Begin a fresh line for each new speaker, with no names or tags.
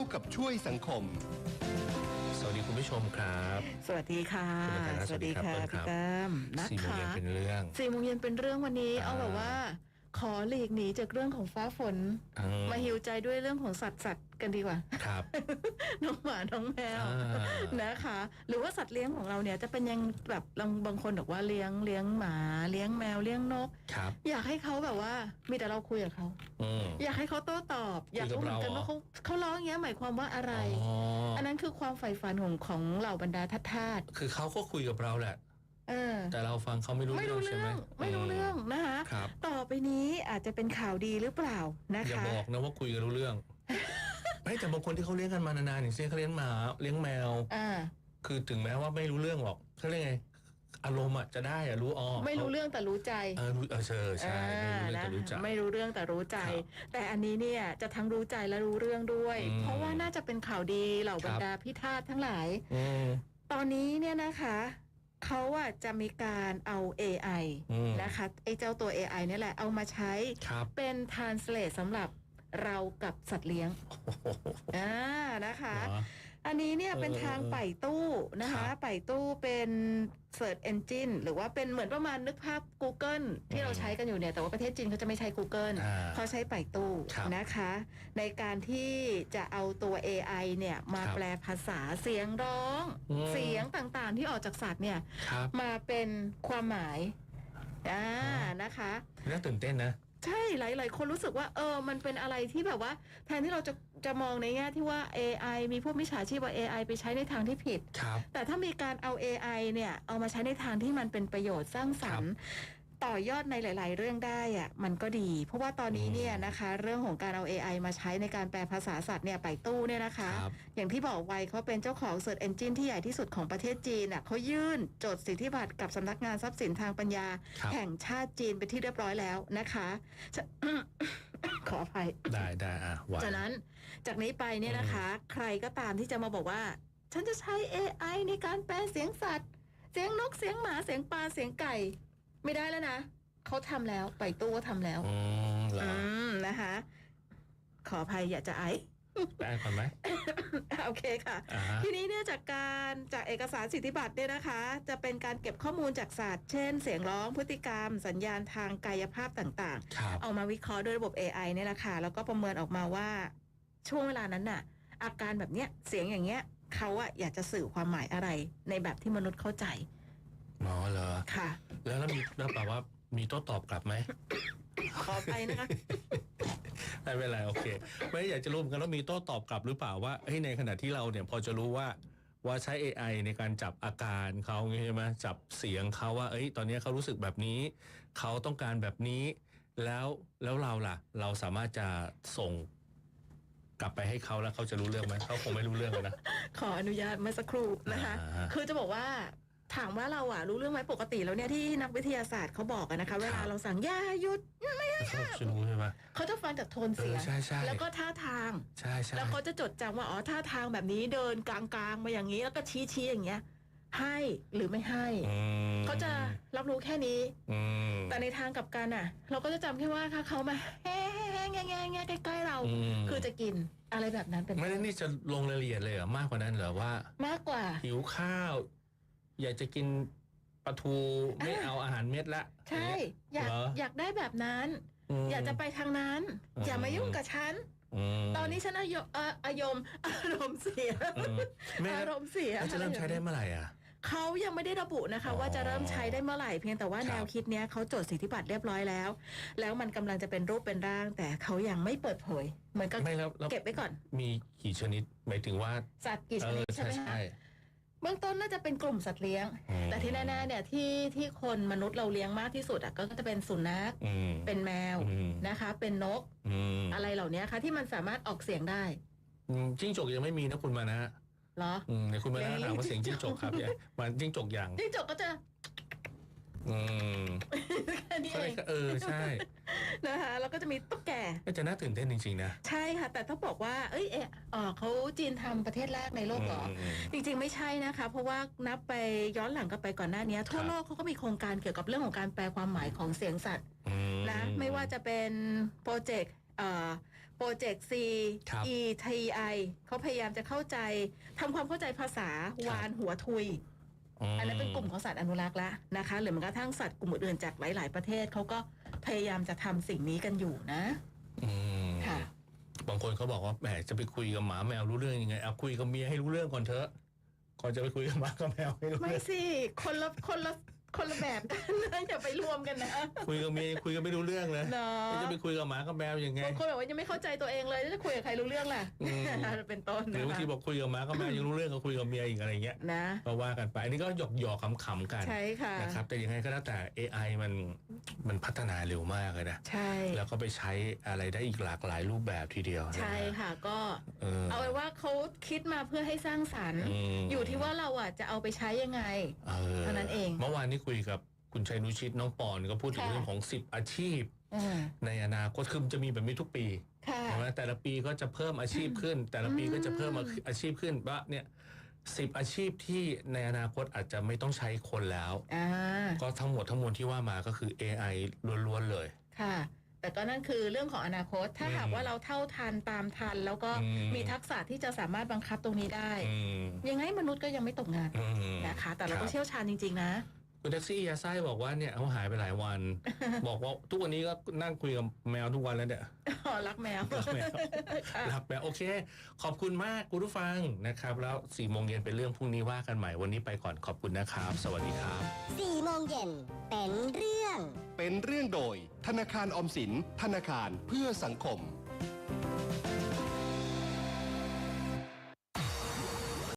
กับช่วยสังคม
สวัสดีคุณผู้ชมครับ
สวัสดีค่ะ
สวัสดีค่ะพี่
แต้ม
นะคะ4 โมงเย็นเป็นเรื่อง
4 โมงเย็นเป็นเรื่องวันนี้เอาแบบว่าขอหลีกหนีจากเรื่องของฟ้าฝนมาหิวใจด้วยเรื่องของสัตว์กันดีกว่า
ครับ
น้องหมาน้องแมวนะคะหรือว่าสัตว์เลี้ยงของเราเนี่ยจะเป็นยังแบบบางคนบอกว่าเลี้ยงหมาเลี้ยงแมวเลี้ยงนกอยากให้เขาแบบว่ามีแต่เราคุยกับเขาอยากให้เขาโต้ตอบอยากรู้เหมือนกันว่าเขาร้องอย่างเงี้ยหมายความว่าอะไรอันนั้นคือความใฝ่ฝันของเหล่าบรรดาทาส
คือเขาก็คุยกับเราแหละแต่เราฟังเขาไม่รู้เรื่องใช่ไหม
ไม่รู้เรื่องนะคะต่อไปนี้อาจจะเป็นข่าวดีหรือเปล่านะคะ
อย่าบอกนะว่าคุยกันรู้เรื่องไม่แต่บางคนที่เขาเลี้ยงกันมานานๆอย่างเช่นเขาเลี้ยงหมาเลี้ยงแมวคือถึงแม้ว่าไม่รู้เรื่องหรอกเขาเรียกไงอารมณ์จะได้รู้
ไม่รู้เรื่องแต่รู้ใจ
ใช่ไม่รู้เรื่องแต่รู้ใจ
ไม่รู้เรื่องแต่รู้ใจแต่อันนี้เนี่ยจะทั้งรู้ใจและรู้เรื่องด้วยเพราะว่าน่าจะเป็นข่าวดีเหล่าบรรดาพิธาทั้งหลายตอนนี้เนี่ยนะคะเขาจะมีการเอา AI นะคะไอ้เจ้าตัว AI นี่แหละเอามาใช้เป็น translate สำหรับเรากับสัตว์เลี้ยงนะคะอันนี้เนี่ยเป็นทางไป่ตู้นะคะไป่ตู้เป็น Search Engine หรือว่าเป็นเหมือนประมาณนึกภาพ Google ที่เราใช้กันอยู่เนี่ยแต่ว่าประเทศจีนเขาจะไม่ใช้ Google เขาใช้ไป่ตู้นะคะในการที่จะเอาตัว AI เนี่ยมาแปลภาษาเสียงร้องเสียงต่างๆที่ออกจากสัตว์เนี่ยมาเป็นความหมายนะคะ
น่าตื่นเต้นนะ
ใช่หลายๆคนรู้สึกว่ามันเป็นอะไรที่แบบว่าแทนที่เราจะมองในแง่ที่ว่า AI มีพวกมิจฉาชีพว่า AI ไปใช้ในทางที่ผิดแต่ถ้ามีการเอา AI เนี่ยเอามาใช้ในทางที่มันเป็นประโยชน์สร้างสรรค์ต่อยอดในหลายๆเรื่องได้มันก็ดีเพราะว่าตอนนี้เนี่ยนะคะเรื่องของการเอา AI มาใช้ในการแปลภาษาสัตว์เนี่ยไปตู้เนี่ยนะคะอย่างที่บอกไว้เขาเป็นเจ้าของ Search Engine ที่ใหญ่ที่สุดของประเทศจีนเขายื่นจดสิทธิบัตรกับสำนักงานทรัพย์สินทางปัญญาแห่งชาติจีนเป็นที่เรียบร้อยแล้วนะคะขออภัย
ได้
จากนั้นจากนี้ไปเนี่ยนะคะใครก็ตามที่จะมาบอกว่าฉันจะใช้ AI ในการแปลเสียงสัตว์เสียงนกเสียงหมาเสียงปลาเสียงไก่ไม่ได้แล้วนะเขาทำแล้วไปตู้ก็ทำแล้วนะคะขออภัยอย่าจะไอ
ได้ก่อนไหม
โอเคค่ะทีนี้เนี่ยจากเอกสารสิทธิบัตรเนี่ยนะคะจะเป็นการเก็บข้อมูลจากสัตว์เช่นเสียงร้องพฤติกรรมสัญญาณทางกายภาพต่างๆเอามาวิเคราะห์ด้วยระบบ AI เนี่ยแหละค่ะแล้วก็ประเมินออกมาว่าช่วงเวลานั้นน่ะอาการแบบเนี้ยเสียงอย่างเงี้ยเขาอยากจะสื่อความหมายอะไรในแบบที่มนุษย์เข้าใจ
เหรอ
ค่ะ
แล้วแปลว่ามีโต้ตอบกลับไหม
ขอไปนะคะ
ไม่เป็นไรโอเคไม่อยากจะรู้เหมือนกันว่ามีโต้ตอบกลับหรือเปล่าว่าในขณะที่เราเนี่ยพอจะรู้ว่าใช้ AI ในการจับอาการเขาใช่ไหมจับเสียงเขาว่าตอนนี้เขารู้สึกแบบนี้เขาต้องการแบบนี้แล้วเราล่ะเราสามารถจะส่งกลับไปให้เขาแล้วเขาจะรู้เรื่องไหมเขาคงไม่รู้เรื่องนะ
ขออนุญาตเมื่อสักครู่นะคะคือจะบอกว่าถามว่าเรารู้เรื่องไหมปกติแล้วเนี่ยที่นักวิทยาศาสตร์เขาบอกนะคะเวลาเราสั่งอย่าหยุดไม่ให้
เขารู้ใช่ไหม
เขาจะฟังจากโทนเสียงแล้วก็ท่าทาง
ใช่
แล้วเขาจะจดจำว่าท่าทางแบบนี้เดินกลางๆมาอย่างนี้แล้วก็ชี้อย่างเงี้ยให้หรือไม่ให้เขาจะรับรู้แค่นี้แต่ในทางกลับกันเราก็จะจำแค่ว่าเขามาแง่ใกล้ๆเราคือจะกินอะไรแบบนั้นเป็น
ไม่ได้นี่จะลงรายละเอียดเลยเหรอมากกว่านั้นเหรอว่าม
ากกว่า
หิวข้าวอยากจะกินปลาทูไม่เอาอาหารเม็ดละ
ใช่อยากได้แบบนั้นอยากจะไปทางนั้นอย่ามายุ่งกับฉันตอนนี้ฉันอารมณ์เสียอารมณ์เสีย
จะเริ่มใช้ได้เมื่อไหร่
เขายังไม่ได้ระบุนะคะว่าจะเริ่มใช้ได้เมื่อไหร่เพียงแต่ว่าแนวคิดเนี้ยเขาจดสิทธิบัตรเรียบร้อยแล้วมันกำลังจะเป็นรูปเป็นร่างแต่เขายังไม่เปิดเผยเหมือนก็เก็บไว้ก่อน
มีกี่ชนิดหมายถึงว่า
สัตว์กี่ชนิดใช่ไหมคะเบื้องต้นน่าจะเป็นกลุ่มสัตว์เลี้ยงแต่ที่แน่ๆเนี่ยที่คนมนุษย์เราเลี้ยงมากที่สุดก็จะเป็นสุนัขเป็นแมวนะคะเป็นนกอะไรเหล่านี้ค่ะที่มันสามารถออกเสียงได้
จิ้งจกยังไม่มีนะคุณมานะ
เหรอ
ในคุณมานะถามว่าเสียงจิ้งจกครับมันจิ้งจกอย่าง
จิ้งจกก็จะ
นี่ใช่
นะคะแล้วก็จะมีตุ๊กแก
ก็จะน่าตื่นเต้นจริงๆนะ
ใช่ค่ะแต่ต้องบอกว่าเขาจีนทำประเทศแรกในโลกเหรอจริงๆไม่ใช่นะคะเพราะว่านับไปย้อนหลังกันไปก่อนหน้านี้ทั่วโลกเขาก็มีโครงการเกี่ยวกับเรื่องของการแปลความหมายของเสียงสัตว์นะไม่ว่าจะเป็นโปรเจกต์โปรเจกต์
ครับ
CETI เขาพยายามจะเข้าใจทำความเข้าใจภาษาวานหัวทุย อันนั้นเป็นกลุ่มของสัตว์อนุรักษ์แล้วนะคะหรือแม้กระทั่งสัตว์กลุ่มอื่นๆจากหลาย ๆประเทศเขาก็พยายามจะทำสิ่งนี้กันอยู่นะ ค่ะ
บางคนเขาบอกว่าแหมจะไปคุยกับหมาแมวรู้เรื่องยังไงเอาคุยกับเมียให้รู้เรื่องก่อนเถอะก่อนจะไปคุยกับหมากับแมวให้รู้
ไม่
เรื่อง
สิคนละแบบกันนะอย่าไปรวมกันนะ
คุยกับเมียคุยกันไม่รู้เรื่องเลย
เนาะ
จะไปคุยกับหมากับแมวยังไง
บางคนบอกว่ายังไม่เข้าใจตัวเองเลยจะคุยกับใครรู้เรื่องล่ะ เป็นต้น
หรื
นะ
อบาง
คะ
ทีบอกคุยกับหมากับแมวยังรู้เรื่องก็คุยกับเมียอีกอะไรเงี้ย
นะ
ก็ว่ากันไปอันนี้ก็หยอกขำๆกัน
ใช่ค่ะ
นะครับแต่ยังไงก็แล้วแต่ AI มันพัฒนาเร็วมากเลยนะ
ใช่
แล้วก็ไปใช้อะไรได้อีกหลากหลายรูปแบบทีเดียวนะ
ใช่ค่ะก็
เอา
ไว้ว่าเขาคิดมาเพื่อให้สร้างสรรค์อยู่ที่ว่าเราอ่ะจะเอาไปใช้ยังไง เท่านั้นเอง
เมื่อวานนี้คุยกับคุณชัยนุชิตน้องปอนก็พูดถึง
ค่ะ
เรื่องของ10อาชีพ
อืม
ในอนาคตคือมันจะมีแบบนี้ทุกปี
ค่ะ
ใช่ไหมแต่ละปีก็จะเพิ่มอาชีพขึ้น แต่ละปีก็จะเพิ่มอาชีพขึ้นว่าเนี่ย10อาชีพที่ในอนาคตอาจจะไม่ต้องใช้คนแล้ว
อ่า
ก็ทั้งหมดทั้งมวลที่ว่ามาก็คือ AI ล้วนๆเลย
ค่ะ แต่ก็นั่นคือเรื่องของอนาคต ถ้าหากว่าเราเท่าทันตามทัน แล้วก็มีทักษะที่จะสามารถบังคับตรงนี้ได้ ยังไงมนุษย์ก็ยังไม่ตกงานนะคะ แต่เราก็เชี่ยวชาญจริงๆนะ
คุณแท็กซี่ยาไส้บอกว่าเนี่ยเขาหายไปหลายวัน บอกว่าทุกวันนี้ก็นั่งคุยกับแมวทุกวันแล้วเนี่ย
อ๋อรักแมว
รักแมว
ค่ะ
รักแมวโอเค ขอบคุณมากคุณผู้ฟังนะครับ แล้ว4 โมงเย็นเป็นเรื่องพรุ่งนี้ว่ากันใหม่วันนี้ไปก่อนขอบคุณนะครับ สวัสดีครับ
4 โมงเย็นเป็นเรื่อง
เป็นเรื่องโดยธนาคารออมสินธนาคารเพื่อสังคม